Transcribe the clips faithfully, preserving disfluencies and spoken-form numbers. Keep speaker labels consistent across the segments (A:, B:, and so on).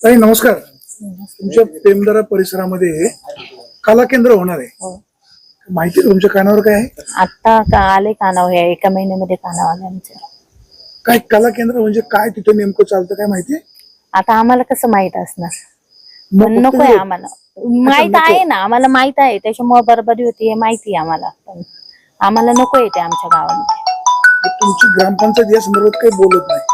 A: ताई नमस्कार. तुमच्या पेमदारा परिसरामध्ये कला केंद्र होणार आहे, माहिती आहे तुमच्या कानावर काय आहे?
B: आता का आले कानावर, या एका महिन्यामध्ये कानावर आले आमच्या.
A: काय कला केंद्र म्हणजे काय, तिथे नेमकं चालतं काय माहिती आहे?
B: आता आम्हाला कसं माहित असणार,
A: मग
B: पण
A: फक्त
B: नकोय
A: हे-
B: आम्हाला. माहित आहे ना, आम्हाला माहित आहे, त्याच्यामुळे बरबादी होती हे माहिती आहे आम्हाला, पण आम्हाला नको येते आमच्या गावामध्ये.
A: तुमची ग्रामपंचायत या संदर्भात काही बोलत नाही?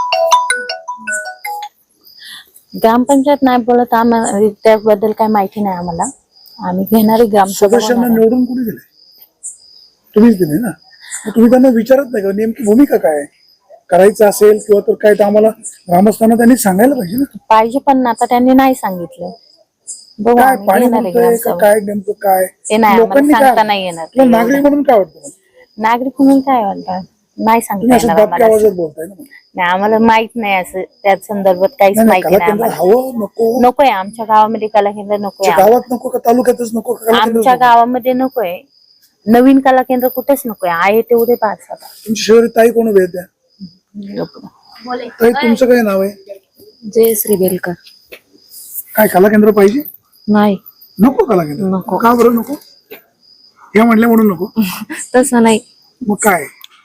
B: ग्रामपंचायत नाही बोलत, आम्हाला त्याबद्दल काही माहिती नाही आम्हाला. आम्ही घेणारी ग्रामसभा
A: सदस्यांना
B: होणार आहे.
A: निवडून कोणी दिले? तुम्हीच दिले ना. मग तुम्ही त्यांना विचारत नाही का नेमकी भूमिका काय आहे? करायचं असेल किंवा तर काय, तर आम्हाला ग्रामस्थांना त्यांनी सांगायला पाहिजे ना.
B: पाहिजे, पण आता त्यांनी नाही सांगितलं. बघू,
A: काय
B: आम्ही
A: पाणी
B: घेणार आहे
A: म्हणतोय का
B: ग्रामसभा.
A: काय नेमकं काय
B: ते नाही आम्हाला
A: लोकांनी
B: सांगता
A: काय,
B: नाही येणार.
A: तुला नागरिक म्हणून काय वाटतं?
B: नागरिक म्हणून काय म्हणतात, नाही
A: तुम्ही
B: सांगता
A: असं
B: येणार
A: दाबक्या
B: आम्हाला.
A: आवाजात बोलताय ना.
B: नाही, आम्हाला माहित नाही असं त्या संदर्भात काहीच
A: नाही, नाही,
B: माहिती
A: कला
B: नाही
A: केंद्र
B: आम्हाला.
A: हवं नको?
B: नकोय आमच्या गावामध्ये कला केंद्र, नकोय
A: आमच्या गावात नको का तालुक्यातच नको का कला केंद्र
B: आमच्या
A: नको?
B: गावामध्ये नकोय. नवीन कला केंद्र कुठेच नकोय, आहे तेवढे पाच आता.
A: तुमची शहरी ताई कोण उभे आहेत त्या? ताई तुमचं काय नाव आहे?
B: जयश्री बेलकर.
A: काय कला केंद्र पाहिजे?
B: नाही,
A: नको कला केंद्र?
B: नको.
A: का बरं नको? हे म्हणले म्हणून नको?
B: तसं नाही.
A: मग काय?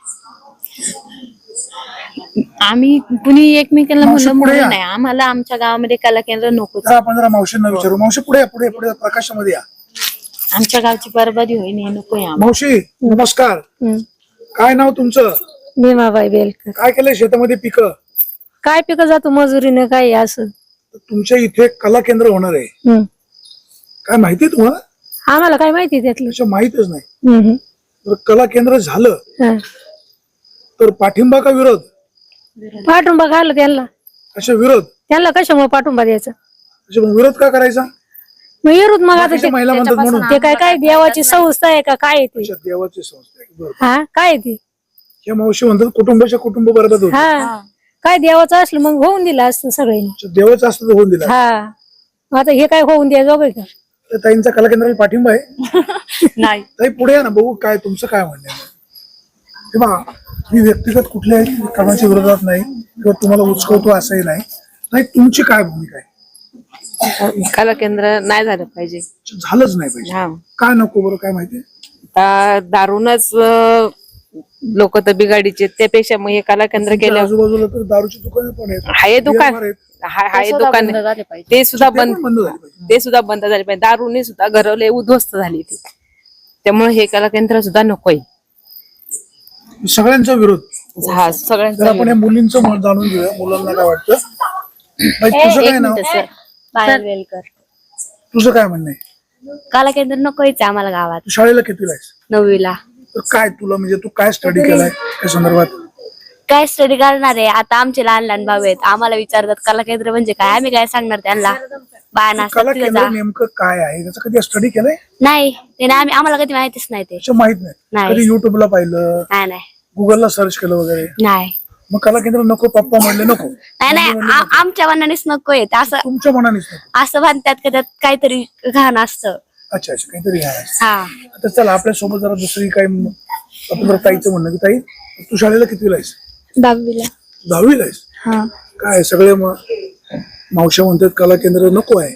B: आम्ही कुणी एकमेकांना
A: मावशी,
B: म्हणलं
A: पुढे
B: म्हणून
A: या.
B: नाही, आम्हाला आमच्या गावामध्ये कला केंद्र नकोच.
A: जरा आपण जरा मावशींना विचारू. मावशी पुढे या, पुढे या, पुढे या, प्रकाशामध्ये या.
B: आमच्या गावची बरबादी होईल हे नकोय आम्हाला.
A: मावशी नमस्कार. काय नाव तुमचं?
C: भीमाबाई बेलकर.
A: काय केलंय शेतामध्ये पिकं?
C: काय पिकं जातो मजुरीने, काय असं.
A: तुमच्या इथे कला केंद्र होणार आहे,
C: हम्म.
A: काय माहिती आहे तुम्हाला?
C: आम्हाला काय माहिती त्यातलं.
A: त्याच्या माहितच नाही.
C: हम्म.
A: जर कला केंद्र झालं
C: हा.
A: तर पाठिंबा का विरोध?
C: पाठुंबा घालला त्यांना.
A: अशा विरोध
C: त्यांना कशामुळे पाठुंबा द्यायचा?
A: म्हणजे मग विरोध का करायचा?
C: मग येरूत मग आता
A: बाकीच्या
C: ते
A: महिला म्हणतात म्हणून.
C: ते काय काय देवाची संस्था आहे का काय आहे ते?
A: अच्छा, देवाची संस्था आहे. बरं.
C: हा, काय आहे ते?
A: या मावशी म्हणतात कुटुंबाच्या कुटुंब बरोबर होत.
C: हा, काय देवाचं असलं मग होऊन दिलं असतं सगळ्यांनी.
A: देवाचं असतं तर होऊन दिला.
C: हा, मग आता हे काय होऊन द्यायचं बघ का?
A: तर ताईंचा कला केंद्राला पाठिंबा आहे?
B: नाही.
A: ताई पुढे या ना, बघू काय तुमचं काय म्हणणं आहे. हे बघा, मी व्यक्तिगत कुठल्याही कामाच्या विरोधात नाही किंवा तुम्हाला उचकवतो असंही नाही. नाही, तुमची काय भूमिका आहे?
D: कला केंद्र नाही झालं पाहिजे.
A: झालंच नाही पाहिजे.
D: हा,
A: काय नको बरं, काय माहिती?
D: आता दारूनच लोक तर बिघाडीचे, त्यापेक्षा मग हे कला केंद्र केलं.
A: आजूबाजूला तर दारूची दुकानं पण आहेत,
D: हाय दुकान,
A: बिअर बार आहेत.
D: हाय हाय दुकान, ते सुद्धा
A: ते
D: बंद
A: पण बंद झाले पाहिजे.
D: ते सुद्धा बंद झाले पाहिजे. दारूने सुद्धा घरवले उद्ध्वस्त झाली ती, त्यामुळे हे कला केंद्र सुद्धा नकोय.
A: सगळ्यांचा विरोध.
D: हा,
A: जर
D: सगळ्यांचा
A: आपण या मुलींचं मत जाणून घेऊया, मुलांना काय वाटतं. बाई, तुझं काय नाव?
B: पायल बेलकर.
A: तुझं काय म्हणणं आहे?
B: कला केंद्र नकोयच आम्हाला गावात.
A: तू शाळेला कितीला आहेस?
B: नववीला.
A: तर काय तुला म्हणजे तू काय स्टडी केलाय त्या संदर्भात?
B: काय स्टडी करणार आहे आता? आमचे लहान लहान भाऊ आहेत, आम्हाला विचारतात कला केंद्र म्हणजे काय, आम्ही काय सांगणार त्यांना? बाया
A: कला
B: नसतात
A: केंद्र नेमकं काय आहे त्याचं कधी स्टडी केलंय?
B: नाही, ते नाही, आम्ही आम्हाला कधी माहितीच नाही ते.
A: त्याचं माहित नाही.
B: नाही.
A: कधी युट्यूबला पाहिलं,
B: नाही नाही
A: गुगलला सर्च केलं वगैरे?
B: नाही
A: मग कला केंद्र नको, पप्पा म्हणले नको?
B: नाही नाही आ- आमच्या मनानेच नको येत असं.
A: तुमच्या मनानेच नको?
B: असं म्हणतात का त्यात काहीतरी घाण असतं.
A: अच्छा अच्छा, काहीतरी आहे.
B: हा,
A: आता चला आपल्या सोबत जरा दुसरी काय म- आपण जरा ताईचं म्हणणं की ताई तू शाळेला कितीला आहेस?
C: दहावीला.
A: दहावीला आहेस?
C: हा.
A: काय सगळे म- मावश्या म्हणतात कला केंद्र नको आहे,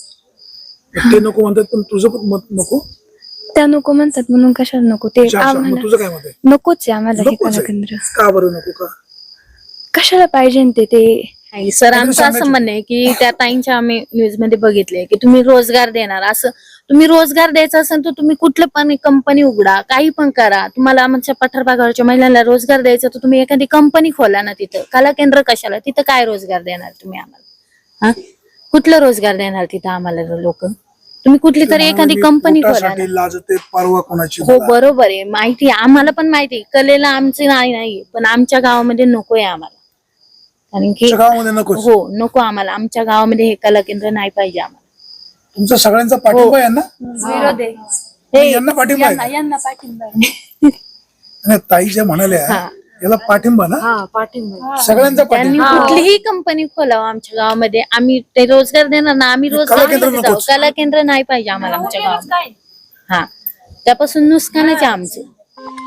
A: ते नको म्हणतात, पण तुझं पण मत नको?
C: त्या नको म्हणतात म्हणून कशाला नको ते?
A: अच्छा, अच्छा. मग
C: आम्हाला
A: तुझं काय मत आहे?
C: नकोच आहे आम्हाला हे
A: नकोच
C: कला
A: आहे.
C: केंद्र.
A: का बरं नको? का
C: कशाला पाहिजे ते ते
B: नाही, सर आमचं असं म्हणणं आहे की त्या ताईंच्या आम्ही न्यूज मध्ये बघितले की तुम्ही रोजगार देणार, असं तुम्ही रोजगार द्यायचा असेल तर तुम्ही कुठलं पण कंपनी उघडा, काही पण करा. तुम्हाला आमच्या पठार भागावरच्या महिलांना रोजगार द्यायचा तर तुम्ही एखादी कंपनी खोला ना तिथं. कला केंद्र कशाला? तिथं काय रोजगार देणार तुम्ही आम्हाला? हा, कुठलं रोजगार देणार तिथं आम्हाला लोक? तुम्ही कुठली तरी एखादी कंपनी खोला ना.
A: पोटासाठी लाजते परवा कोणाची?
B: हो बरोबर आहे, माहिती आहे आम्हाला, पण माहिती आहे कलेला आमचे नाही नाही, पण आमच्या गावामध्ये नकोय आम्हाला. कारण की
A: तुमच्या गावामध्ये नको?
B: हो नको आम्हाला, आमच्या गावामध्ये हे कला केंद्र नाही पाहिजे आम्हाला.
A: तुमचा सगळ्यांचा पाठिंबा आहे ना?
C: विरोध आहे.
A: हे यांना पाठिंबा आहे?
C: यांना पाठिंबा.
A: नाही, ताई ज्या म्हणाल्या याला पाठिंबा ना?
B: हा, पाठिंबा.
A: सगळ्यांचा
B: त्यांनी
A: पाठिंबा.
B: कुठलीही कंपनी खोलावं आमच्या गावामध्ये, आम्ही ते रोजगार देणार ना. आम्ही रोजगार
A: केंद्र
B: मध्ये जाऊ,
A: नकोच.
B: कला केंद्र नाही पाहिजे आम्हाला आमच्या गावात. हा, त्यापासून नुकसानच आहे आमचं.